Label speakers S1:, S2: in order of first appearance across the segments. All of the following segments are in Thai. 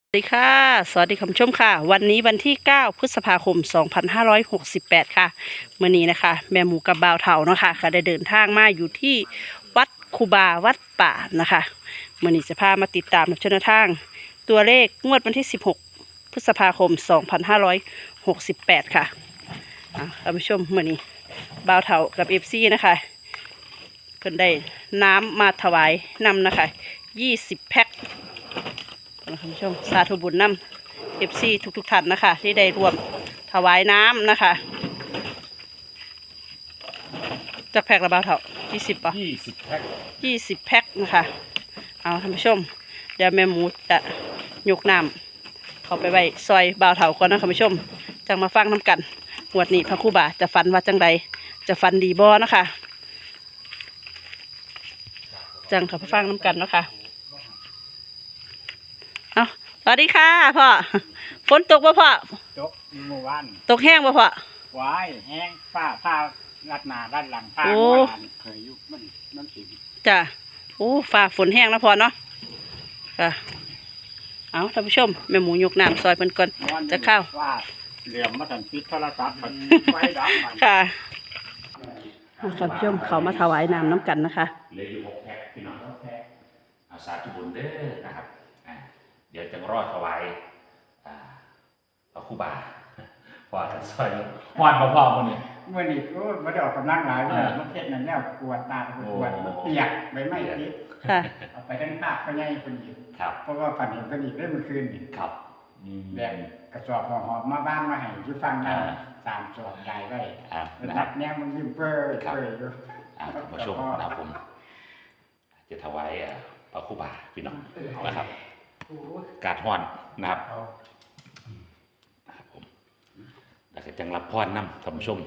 S1: สวัสดีค่ะสวัสดีคุณผู้ชมค่ะวันนี้วันที่9พฤษภาคม2568ค่ะเมื่อนี้นะคะแม่หมูกับบ่าวเถาเนาะค่ะก็ได้เดินทางมาอยู่ที่วัดคูบาวัดป่านะคะเมื่อนี้จะพามาติดตามชนทางตัวเลขงวดวันที่16พฤษภาคม2568ค่ะคุณผู้ชมเมื่อนี้บ่าวเถากับFCนะคะเพิ่นได้น้ำมาถวายนำนะคะ20 แพ็คคุณผู้ชมสาธุบุญนำFC ทุกท่านนะคะที่ได้ร่วมถวายน้ำนะคะจากแพ็คละบ่าวเท่า20ป่ะ
S2: 20 แพ็ค
S1: 20 แพ็คนะคะเอาท่านผู้ชมเดี๋ยวแม่หมูจะยกน้ำเขาไปไว้ซอยบ่าวเท่าก่อนนะท่านผู้ชมจังมาฟังน้ำกันงวดนี้พระครูบาจะฟันว่าจังใดจะฟันดีบ่นะคะจังเขาไปฟังน้ำกันเนาะค่ะเอาสวัสดีค่ะพ่อฝนตกป่ะพ่อ
S2: ตกเมื่อวาน
S1: ตกแห้งป่ะพ่อ
S2: วายแห้งผ้ารัดหน้ารัดหลังผ้าเมื่อวานเคยยุบมันสิ
S1: จ้ะโอ้ฝ่าฝนแห้งแล้วพ่อเนาะค่ะเอาท่านผู้ชมแม่หมูยกน้ำซอยเพิ่นก่อนจะเข้า
S2: ว่าเหลี่ยมมาทันปิดโทรศัพท์มันไฟดับมัน
S1: ค่ะท่านผู้ชมเขามาถวายน้ำกันนะคะ
S3: เหลืออยู่6 แพ็คพี่น้อง6 แพ็คเอาสาธุบุญเด้อนะครับเดี๋ยวจะรอดถวายพระครูบาพอกันซอยหอดพ่อมันนี่
S2: เมื่อนี้ก็ไม่ได้ออกกำลังหลายเลยมันเทศนั่นแล้วปวดตาปวดมันเปียกใบไม้ติดเอาไปทั้งภาคก็ใหญ่คนอีกเพราะว่าฝันเห็นคนอีกได้เมื่อคืนนี่
S3: ครับ
S2: แบ่งกระสอบหอบมาบ้านมาให้ที่ฟังนะ3 สอบใหญ่ไว้ตัดแนวมันยิ้มเปื่อยอยู่
S3: มาชมนะครับผมจะถวายพระครูบาพี่น้องนะครับกาดห่อนนะครับผมแล้วก็จังรับพรนำท่านผู้ชม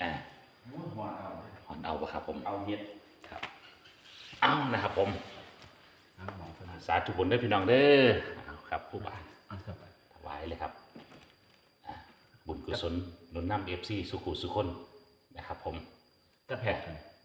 S3: ห่อนเอาปะครับผม
S2: เอาเฮ็ด
S3: ครับเอานะครับผมสาธุบุญด้วยพี่น้องเด้อครับครูบาถวายเลยครับบุญกุศลหนุนนำFCสุขุสุคนนะครับผม
S2: จะแพ็ค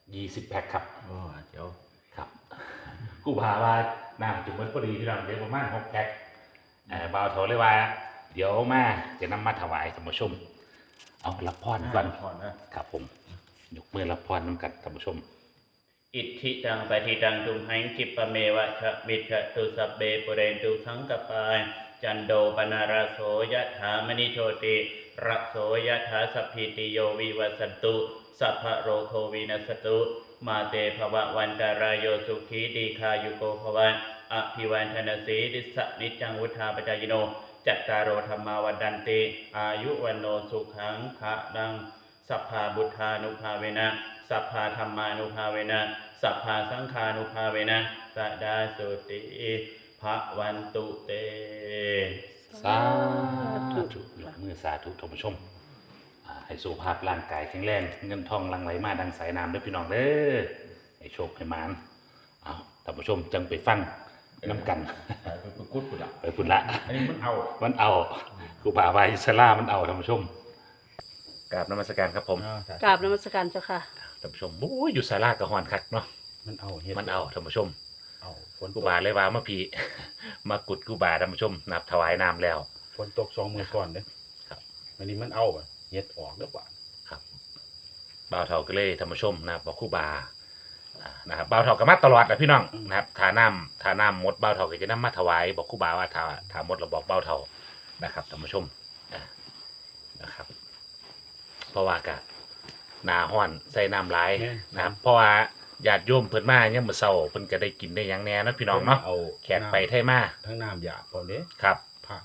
S3: 20 แพ็คครับ
S2: เดี๋ยว
S3: ครับกูพาว่าน้ำจุ่มมันพอดีที่เราเดี๋ยวประมาณ6 แพ็คบ่าวเถาเลยว่าเดี๋ยวมาจะนำมาถวายท่านผู้ชมเอารับพรก่อนครับผมยกมือรับพรนำกันท่านผู้ชม
S4: อิทธิตังปฏิตังตุมหังกิปเมวะชะมิชะตุสัพเบปุเรนตุสังกปายจันโดปนาราโสยะถามณิโชติระโสยะถาสัพพิติโยวิวัสตุสัพพะโรโควินัสตุมาเตภวะวันตารายโยสุขีดีคายุโกภวันอภิวันธนสีดิสนิจังวุธาปจายโนจัตตารโอธรรมาวันดันติอายุวันโนสุขังภะดังสัพพาบุทธานุภาเวนะสัพพาธรรมานุภาเวนะสัพพาสังฆานุภาเวนะสดาสุติภะวันตุเต
S3: สาธุยกมือสาธุท่านผู้ชมให้สุขภาพร่างกายแข็งแรงเงินทองหลั่งไหลมาดังสายน้ำด้วยพี่น้องเด้อให้โชคให้มานเอาท่านผู้ชมจังไปฟังน้ำกัน
S2: ไปกุดปุดละ
S3: ไปปุดละ
S2: อันนี้มัน
S3: เอาครูบาไว้สลามันเอาท่านผู้ชมกราบนมัสการครับผม
S1: กราบนมัสการเจ้าค่ะ
S3: ท่านผู้ชมโอ้ยอยู่ศาลากระหอนคักเนาะ
S2: มันเอา
S3: ท่านผู้ชมครูบาเลยว่าเมื่อพี่มากุดครูบาท่านผู้ชมนับถวายน้ำแล้ว
S2: ฝนตก2 มื้อก่อนเด้
S3: ครับ
S2: อันนี้มันเอาเฮ็ดออกเด้อบ่
S3: ครับบ่าวเฒ่าก็เลยท่านผู้ชมนะครับบอกครูบานะครับบ่าวเฒ่าก็มาตลอดนะพี่น้องนะครับทาน้ำหมดบ่าวเฒ่าก็จะนำมาถวายบอกครูบาว่าทาหมดเราบอกบ่าวเฒ่านะครับท่านผู้ชมนะครับเพราะว่ากะหนาห้อนใส่น้ำไหลนะครับเพราะว่าญาติโยมเพิ่นมาเนี่ยมื้อเช้าเพิ่นก็ได้กินได้หยังแน่นะพี่น้องเนาะแขกไปไทมา
S2: ทั้งน้ำหยาพอเด้
S3: ครับ
S2: ผัก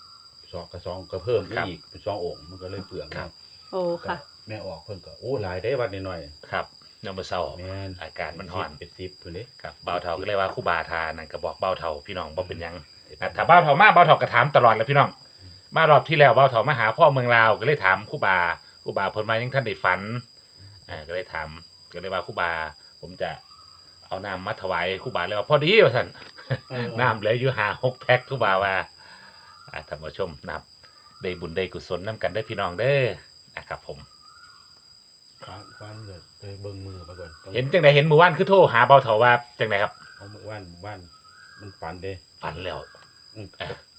S2: 2ก็เพิ่มอีกเป็น2 โอ่งมันก็เลยเปลือง
S3: ครับ
S1: โอ้ค่ะ
S2: แม่ออกเพิ่นก็โอ้หลายได้วัดนิดหน่อย
S3: ครับยามมื้อเช้าอากาศมันร้อน
S2: เป็น10พุ่นเด้
S3: ครับบ่าวเฒ่าก็เลยว่าครูบาทานั่นก็บอกบ่าวเฒ่าพี่น้องบ่เป็นหยังถ้าบ่าวเฒ่ามาบ่าวเฒ่าก็ถามตลอดแล้วพี่น้องมารอบที่แล้วบ่าวเฒ่ามาหาพ่อเมืองลาวก็เลยถามครูบาเพิ่นมายังท่านได้ฝันก็เลยถามก็เลยว่าครูบาผมจะเอาน้ำมาถวายครูบาเลยว่าพอดีว่าท่านน้ำเหลืออยู่5-6 แพ็คครูบาว่าท่านผู้ชมนับได้บุญได้กุศลนํกันได้พี่น้องเด้อนะครับผม
S2: ฟันไปเบิ่งมือไปก่อน
S3: เห็นจังได๋เห็นมื้อวานคือโทรหาเบาเฒ่าว่าจังได๋ครับ
S2: เอามื้อวานมันฝันเด้
S3: ฝันแล้ว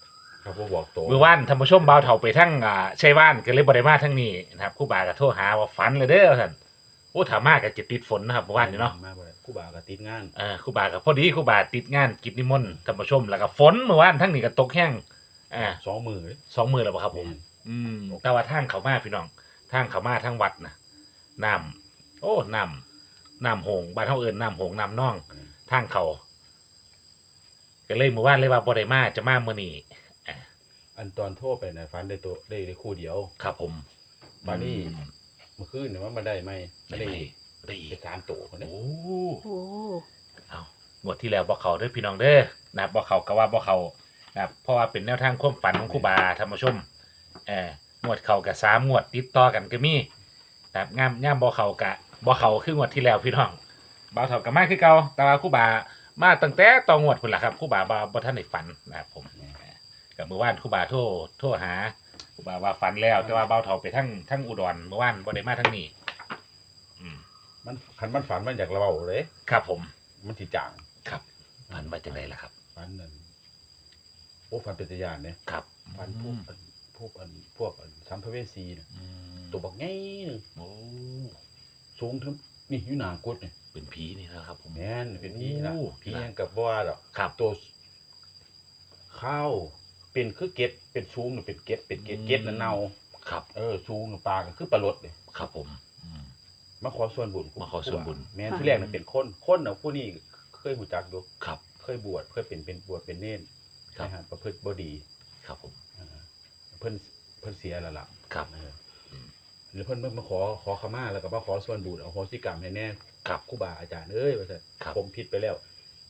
S5: ครับบ่บอกโต
S3: เมื่อวานท่านผู้ชมบ่าวเฒ่าไปทั้งชัยว่านก็เลยบ่ได้มาทั้งนี้นะครับครูบาก็โทรหาว่าฝันเลยเด้อท่านโอ้ถ้ามาก็จะติดฝนนะครับเมื่อวานนี้เนาะ
S5: มาบ่ได้ครูบาก็ติดงาน
S3: ครูบาก็พอดีครูบาติดงานกิจนิมนต์ท่านผู้ชมแล้วก็ฝนเมื่อวานทั้งนี้ก็ตกแห้ง
S5: 2 มื้อเลย
S3: 2 มื้อแล้วบ่ครับผมแต่ว่าทางเขามาพี่น้องทางเขามาทางวัดนะน้ำโอ้น้ำโหงบ้านเฮาเอิ้นน้ำโหงน้ำน่องทางเขาก็เลยเมื่อวานเลยว่าบ่ได้มาจะมามื้อนี้
S5: อันตอนโทรไปน่ะฝันได้ตัวได้คู่เดียว
S3: ครับผม
S5: บาดนี้เมื่อคืนเนี่ยมันมาได้ไหมไม่ได้
S3: ได้อีก
S5: ได้3ตัวคนนี้
S3: โอ้
S1: โอ้
S3: เอางวดที่แล้วบ่เข้าเด้อพี่น้องเด้อนะครับบ่เข้าก็ว่าบ่เข้านะครับเพราะว่าเป็นแนวทางความฝันของครูบาท่านผู้ชมงวดเข้ากับ3งวดติดต่อกันก็มีนะครับย่ามบ่เข้าก็บ่เข้าคืองวดที่แล้วพี่น้องบ่าวเฒ่าก็มาคือเก่าแต่ว่าครูบามาตั้งแต่ต่องวดพุ่นล่ะครับครูบาบ่ทันได้ฝันนะครับผมกับเมื่อวานครูบาโทรหาครูบาว่าฝันแล้วแต่ว่าบ่าวเฒ่าไปทั้งอุดรเมื่อวานบ่ได้มาทั้งนี้
S5: มันคันมันฝันมันอยากเล่าเลย
S3: ครับผม
S5: มันสิจาง
S3: ครับฝันมาจากไหนล่ะครับ
S5: ฝันนั่นโอ้ฝันเป็นตาญาณเนี่ย
S3: ครับ
S5: ฝันพวกสัมภเวสีน่ะตัวบักใหญ่นึง
S3: โอ้
S5: สูงถึงนี่อยู่หน้ากุดนี่
S3: เป็นผีนี่นะครับผม
S5: แม่นเป็นผีนะ
S3: โอ้
S5: ผียังกับบ่ว่าดอก
S3: ครับ
S5: ตัวข้าวเป็นคือเกล็ดเป็นสูงน่ะเป็นเกล็ดน่ะเน่า
S3: ครับ
S5: สูงน่ะปลาก็คือปลาลดนี่
S3: ครับผม
S5: มาขอส่วนบุญ
S3: มาขอส่วนบุญ
S5: แม่นที่แรกน่ะเป็นคนน่ะผู้นี้เคยรู้จักอยู่
S3: ครับ
S5: เคยบวชเคยเป็นบวชเป็นเนร
S3: ครับ
S5: นะฮะประพฤติบ่ดี
S3: ครับผม
S5: เพิ่นเสียแล้วล่ะ
S3: ครับ
S5: หรือเพิ่นมาขอขมาแล้วก็มาขอส่วนบุญเอาโหสิกรรมให้แน่
S3: ครับ
S5: ครูบาอาจารย์เอ้ยว่าซั่น
S3: ครับ
S5: ผมผิดไปแล้ว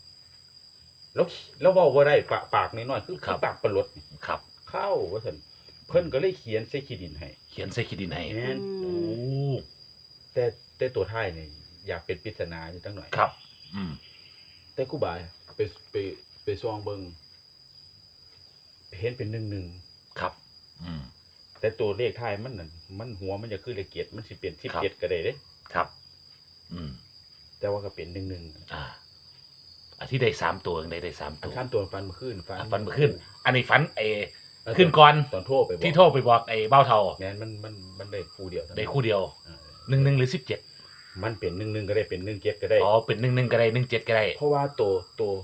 S5: แล้วเว้าบ่ได้ปากน้อยๆคือ
S3: ครับ
S5: ปากปลดนี่
S3: ครับ
S5: เข้าว่าซั่นเพิ่นก็เลยเขียนใส่ขี้ดินให้
S3: เขียนใส่ขีดินให้
S5: แม่น
S3: โอ้
S5: แต่ตัวท้ายนี่อยากเป็นปริศนาอยู่จังหน่อย
S3: ครับ
S5: แต่ครูบาไปส่องเบิ่งเห็นเป็น11
S3: ครับ
S5: แต่ตัวเลขท้ายมันนั่นมันหัวมันจะคือเลขเกียรติมันสิเป็น17ก็ได้เด้
S3: ครับ
S5: แต่ว่าก็เป็น
S3: อันที่ได้3ตัวได้3
S5: อั
S3: ตั
S5: น
S3: ว
S5: ข้ามตัวฟันมาขึ้น
S3: ฟันมาขึ้น อันนี้ฝันขึ้นก่อน
S5: ตอนโทรไปบอก
S3: ที่โทรไปบอกเบ้าเทา
S5: แม่นมันได้คู่เดียวเท่านั้น
S3: ได้คู่เดียว
S5: เออ
S3: 11หรือ17
S5: มันเป็น11ก็ได้เป็น17ก็ได้
S3: อ๋อเป็น11ก็ได้17ก็ได้
S5: เพราะว่าตัว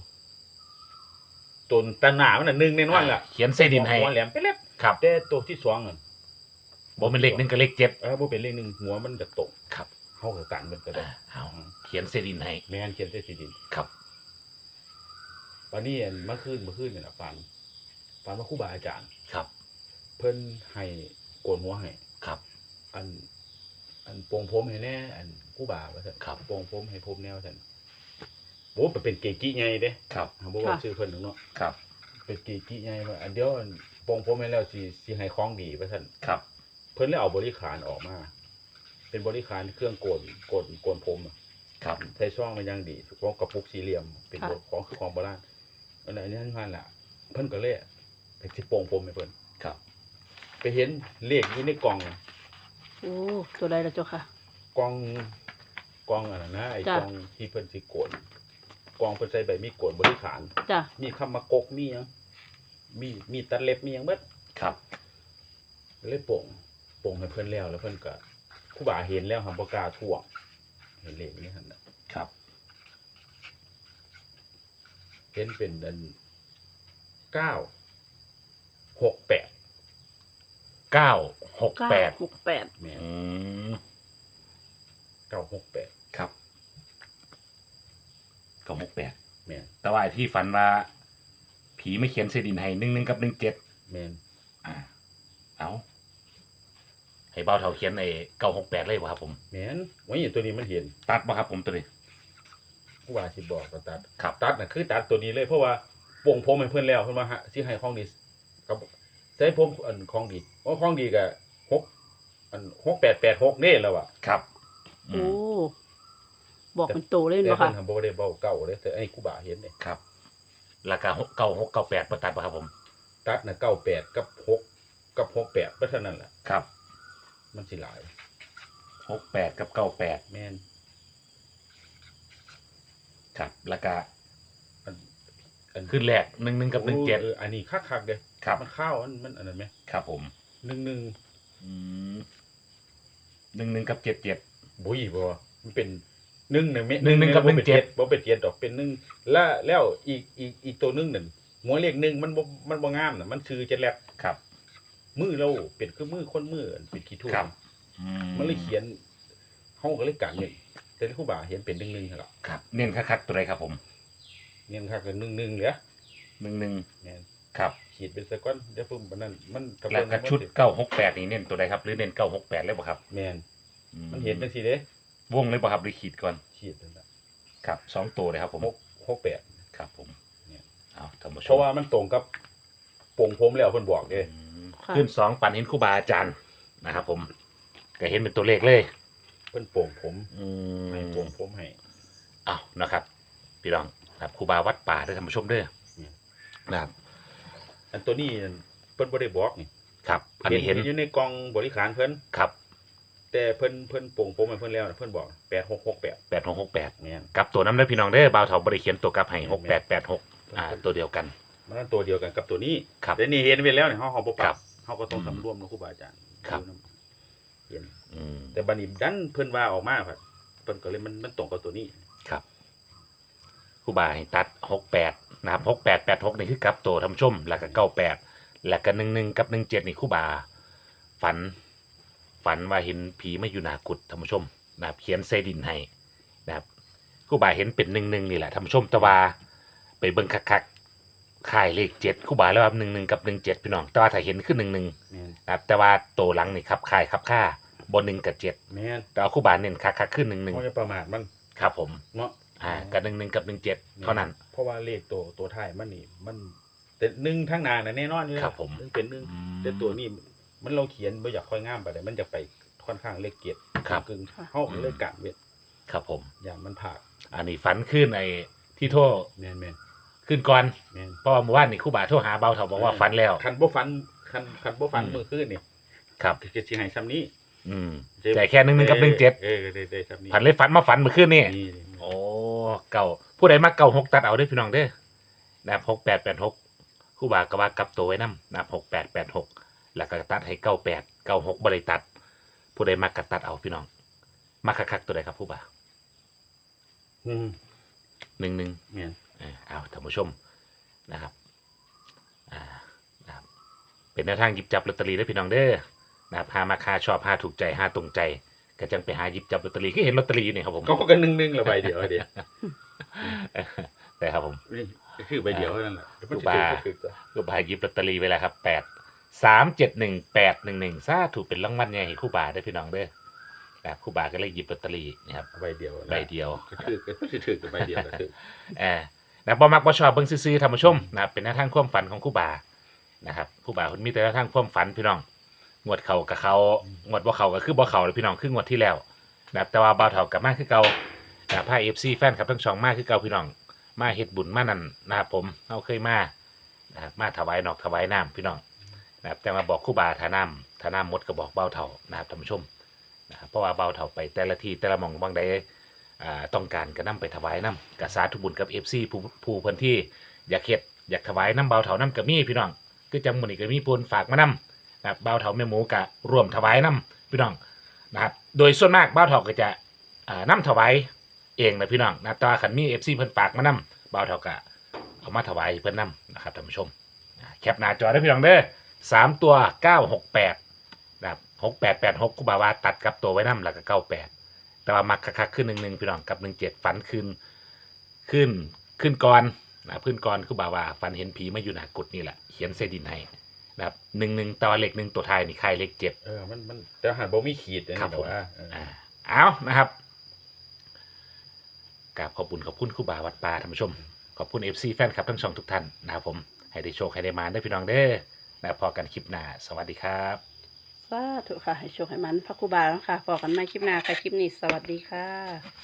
S5: ตาหนามันน่ะ1แน่นอนล่ะ
S3: เขียนใส่ดินให้
S5: หัวแหลมไปเล็บ
S3: ครับ
S5: แต่ตัวที่2นั่น
S3: บ่เป็นเลข1กับเลข7
S5: บ่เป็นเลข1หัวมันจะตก
S3: ครับ
S5: เฮาก็กันมันก็ได้
S3: เอาเขียนใส่ดินให้
S5: แม่นเขียนใส่สีดิน
S3: ครับ
S5: วันนี้เมื่อคืนนี่ล่ะฝันว่าครูบาอาจารย์
S3: ครับ
S5: เพิ่นให้โกนหัวให้
S3: ครับ
S5: อันโปรงผมให้แน่อันครูบาว่าซั่น
S3: ครับ
S5: โปรงผมให้ผมแนวซั่นโอ้เป็นเกจิใหญ่เด้
S3: ครับ
S5: บ่ว่าชื่อเพิ่นเนาะ
S3: ครับ
S5: เป็นเกจิใหญ่ว่าอันเดียวอันโปรงผมให้แล้วสิให้ของดีว่าซั่น
S3: ครับ
S5: เพิ่นเลยเอาบริขารออกมา เป็นบริขารเครื่องโกนผมอะ
S3: ครับ
S5: ใส่ช่องมันอย่างดีของกระปุกสี่เหลี่ยมเป็น
S1: ค่ะ
S5: ของคือของโบราณอันนี้ท่านล่ะเพิ่นก็เลยไปสิโปรงผมให้เพิ่น
S3: ครับ
S5: ไปเห็นเลขอยู่ในกล่อง
S1: โอ้ตัวใดล่ะเจ้าค่ะ
S5: กล่องอันนั้นนะไอ้
S1: จ้ะ
S5: กล่องที่เพิ่นสิโกนกล่องเพิ่นใส่ใบมีดโกนบริขาร
S1: จ้ะ
S5: มีคำมากกมีหยังมีตัดเล็บมีหยังเบิด
S3: ครับ
S5: เลยโป่งให้เพิ่นแล้วเพิ่นก็ครูบาเห็นแล้วหันบ่กล้าท่วงเห็นเลขนี้หั่นน่ะ
S3: ครับ
S5: เห็นเป็นอัน968
S3: 968
S1: 968
S5: แม่น 968
S3: ครับ968
S5: แม่น
S3: แต่ว่าไอ้ที่ฝันว่า ผีไม่เขียนใส่ดินให้11กับ17
S5: แม่น
S3: เอาให้เบ้าเท่าเขียน968เลยบ่ครับผม
S5: แม่นว่าอย่างตัวนี้มันเห็น
S3: ตัดบ่ครับผมตัวนี้
S5: ครูบาสิบอกก็ตัด
S3: ครับ
S5: ตัดน่ะคือตัดตัวนี้เลยเพราะว่าโป่งผมให้เพิ่นแล้วเพิ่นว่าสิให้ของดีกับใส่ผมอันของดีของดีก็6886นี่แล้วอ่ะ
S3: ครับ
S1: โอ้บอกเป็นโตเลย
S5: แต่
S1: เนาะ
S5: เพิ่
S1: ค่ะ
S5: นทำบ่ได้เว้าเก่าเด้แต่ไอ้ครูบาเห็นนี่
S3: ครับแล้วก็9698บ่ตัดบ่ครับผม
S5: ตัดน่ะ98กับ6กับ68บ่เท่านั้นแหละ
S3: ครับ
S5: มันสิหลาย
S3: 68กับ98
S5: แม่น
S3: ครับแล้วก็
S5: อัน
S3: ขึ้นแรก11กับ17
S5: อันนี้คักๆเด้
S3: ครับ
S5: มันเข้ามันอันนั้นไหม
S3: ครับผม
S5: 1
S3: อืม11กับ77
S5: บุ้ยบ่มันเป็น1น่ะแม่
S3: 11กับ
S5: บ่เป็น
S3: 17
S5: บ่เป็น7ดอกเป็น1แล้วอีกตัวนึงนั่นหัวเลข1มันบ่งามน่ะมันชื่อ7แลบ
S3: ครับ
S5: มือเราเป็นคือมือคนมือเป็นขี้ทุ่
S3: ครับ
S5: มันเลยเขียนเฮาก็เลยกันนี่แต่ครูบาเห็นเป็น1หั่นล่ะ
S3: ครับเน้นคักๆตัวใดครับผม
S5: เงินคักก็1เหลือ
S3: 11
S5: แม่น
S3: ครับ
S5: ขีดเป็นซะก่อนเดี๋ยวเพิ่มปานนั้นมัน
S3: แล้วก็ชุด968นี่เน้นตัวใดครับหรือเน้น968เลยบ่ครับ
S5: แม่น
S3: อื
S5: มันเห็นจังซี่เด้
S3: วงเลยบ่ครับหรือขีดก่อน
S5: ขีดนั่นล่ะ
S3: ครับ2ตัวเลยครับผม
S5: 68
S3: ครับผม
S5: เนี่ย
S3: เอาท่านผู้ช
S5: เพราะ
S3: ม
S5: ว่ามันตรงกับโป่งผมแล้วเพิ่นบอกเด้
S1: ค่ะ
S3: ขึ้น2ฝันเห็นครูบาอาจารย์นะครับผมก็เห็นเป็นตัวเลขเลย
S5: เพิ่นโป่งผม
S3: อื
S5: ให้
S3: ม
S5: โป่งผมให้
S3: เอานะครับพี่น้องครับครูบาวัดป่าเด้อท่านผู้ชมเด้อ
S5: เนี่ย
S3: นะครับ
S5: อันตัวนี้เพิ่นบ่ได้บอกนี่
S3: ครับอันนี้เห็น
S5: อยู่ในกล่องบริการเพิ่น
S3: ครับ
S5: แต่เพิ่นโป่งผมให้เพิ่นแล้วเพิ่นบอก8668
S3: 8668
S5: แม่น
S3: กับตัวน้ำเด้อพี่น้องเด้อบ่าวเฒ่าบ่ได้เขียนตัวกลับให้6886ตัวเดียวกัน
S5: มันตัวเดียวกันกับตัวนี้
S3: ครับ
S5: แต่นี่เห็นไว้แล้วเนี่ยเฮาบ่ป
S3: ครั
S5: รับบ เฮาก็ต้องสำรวมเนาะครูบาอาจารย์
S3: ครับ
S5: เห็น
S3: อืม
S5: แต่บัดนี้ดันเพิ่นว่าออกมาครับเพิ่นก็เลยมันตรงกับตัวนี้
S3: ครับครูบาให้ตัด68นะครับ6886นี่คือกลับตัวท่านผู้ชมแล้วก็98แล้วก็11กับ17นี่ครูบาฝันว่าเห็นผีมาอยู่หน้ากุฏิท่านผู้ชมนะครับเขียนใส่ดินให้นะครับครูบาเห็นเป็น11นี่แหละท่านผู้ชมแต่ว่าไปเบิ่งคักๆค่ายเลข7ครูบาแล้วว่า11กับ17พี่น้องแต่ว่าถ้าเห็นคือ11
S5: แม่น
S3: นะครับแต่ว่าตัวหลังนี่ครับค่ายครับค่าบน1กับ7
S5: แม่น
S3: แต่ว่าครูบาเน้นคักๆขึ้น
S5: เฮาจะประมาทมัน
S3: 11ครับผม
S5: เนาะ
S3: กับ11กับ17เท่านั้น
S5: เพราะว่าเลขตัวท้ายมันนี่มันแต่1ทั้งหน้าน่ะแน่นอนอยู่แล้ว
S3: ครับผม
S5: นเป็น1แต่ตัวนี้มันเราเขียนบ่อยากค่อยงามปานใดมันจะไปค่อนข้างเลขเกียรติ
S3: ครับ
S5: กึ่งเฮาก็เลยกันเวท
S3: ครับผม
S5: อย่างมันผาก
S3: อันนี้ฝันขึ้นไอ้ที่โทษ
S5: แม่น
S3: ขึ้นก่อน
S5: แม่น
S3: เพราะว่าเมื่อวานนี่ครูบาโทรหาเบาเถาบอกว่าฝันแล้ว
S5: คันบ่ฟันคันบ่ฟัน
S3: อืม
S5: มื้อคืนนี่
S3: ครับ
S5: จะสิให้ซ้ำนี้
S3: อืมใจแค่11กับ17
S5: ได้ซ้ำนี้
S3: ผันเลยฝันมาฝันเมื่อคืนนี่
S5: นี่
S3: โอ้เก่าผู้ใดมาเก่า6ตัดเอาเด้อพี่น้องเด้อนะครับ6886ครูบาก็ว่ากลับตัวไว้นำนะครับ6886แล้วก็ตัดให้98 96บ่ได้ตัด ผู้ใดมากก็ตัดเอาพี่น้องมาคักๆตัวใดครับครูบา
S5: อืม
S3: 11
S5: แม่น
S3: เอาท่านผู้ชมนะครับนะครับเป็นแนวทางหยิบจับลอตเตอรี่ได้อพี่น้องเด้อนะครับหามาคาชอบหาถูกใจหาตรงใจก็จังไปหาหยิบจับลอตเตอรี่ก็เห็นลอตเตอรี่อยู่นี่ครับผม
S5: ก็กัน1ละใบเดียวเดียว
S3: แต่ครับผม
S5: นี่ก็คือใบเดียวเท่านั้นแหละ
S3: ครูบา ก็บาหยิบลอตเตอรี่ไว้แล้วครับ8371811ซาถูกเป็นรางวัลใหญ่ให้ครู่บาได้อพี่น้องเด้อนะครับครู่บาก็เลยหยิบลอตเตอรี่นะครับ
S5: ใบเดียว
S3: ใบเดียว
S5: ก็คือก็ถือกับใบเดียวก็คือ
S3: นะบ่มักบ่ชอบเบิ่งซื่อๆท่านผู้ชมนะครับเป็นแนวทางความฝันของครู่บานะครับครู่บาเพิ่นมีแต่แนวทางความฝันพี่น้องงวดเข้ากับเขางวดบ่เข้าก็คือบ่เข้าเลยพี่น้องคืองวดที่แล้วนะครับแต่ว่าบ่าวเฒ่ากลับมาคือเก่านะครับพา FC แฟนคลับทั้งช่องมาคือเก่าพี่น้องมาเฮ็ดบุญมานั่นนะครับผมเฮาเคยมานะครับมาถวายนอกถวายน้ำพี่น้องนะครับแต่มาบอกครู่บาถ้าน้ำหมดก็บอกบ่าวเฒ่านะครับท่านผู้ชมนะครับเพราะว่าบ่าวเฒ่าไปแต่ละที่แต่ละหม่องบางใด ต้องการก็นำไปถวายน้ำกสาธุบุญกับ FC ผู้เพิ่นที่อยากเฮ็ดอยากถวายน้ำเบาเถาน้ำกับมีพี่น้องคือจังมื้อนี้ก็มีปูนฝากมานํนะครับเบาเถาแม่หมูก็ร่วมถวายน้ำพี่น้องนะครับโดยส่วนมากเบาเถาก็จะน้ำถวายเองนะพี่น้องนะแต่ว่าคันมี FC เพิ่นฝากมานํเบาเถาก็เอามาถวายเพิ่นนํนะครับท่านผู้ชมแคปหน้าจอได้พี่น้องเด้อ3ตัว968นะครับ6886ครูบาวาตัดกับตัวไว้นํแล้วก็98แต่ว่ามักคักๆขึ้น11พี่น้องกับ17ฝันขึ้นก่อนนะขึ้นก่อนคือบ่าว่าฝันเห็นผีมาอยู่หน้ากุฏินี่แหละเขียนเสดินให้นะครับ11แต่ว่าเลข1ตัวท้ายนี่ค่ายเลข7
S5: มันแต่หันบ่มีขีดนะ
S3: ครับผม
S5: ว่า
S3: เอานะครับกราบขอบคุณครูบาวัดป่าท่านผู้ชมขอบคุณ FC แฟนคลับทั้งช่องทุกท่านนะครับผมให้ได้โชคให้ได้มาได้พี่น้องเด้อนะพอกันคลิปหน้าสวัสดีครับ
S1: สาธุค่ะให้โชคให้มันพระครูบาแล้วค่ะพอกันใหม่คลิปหน้าค่ะคลิปนี้สวัสดีค่ะ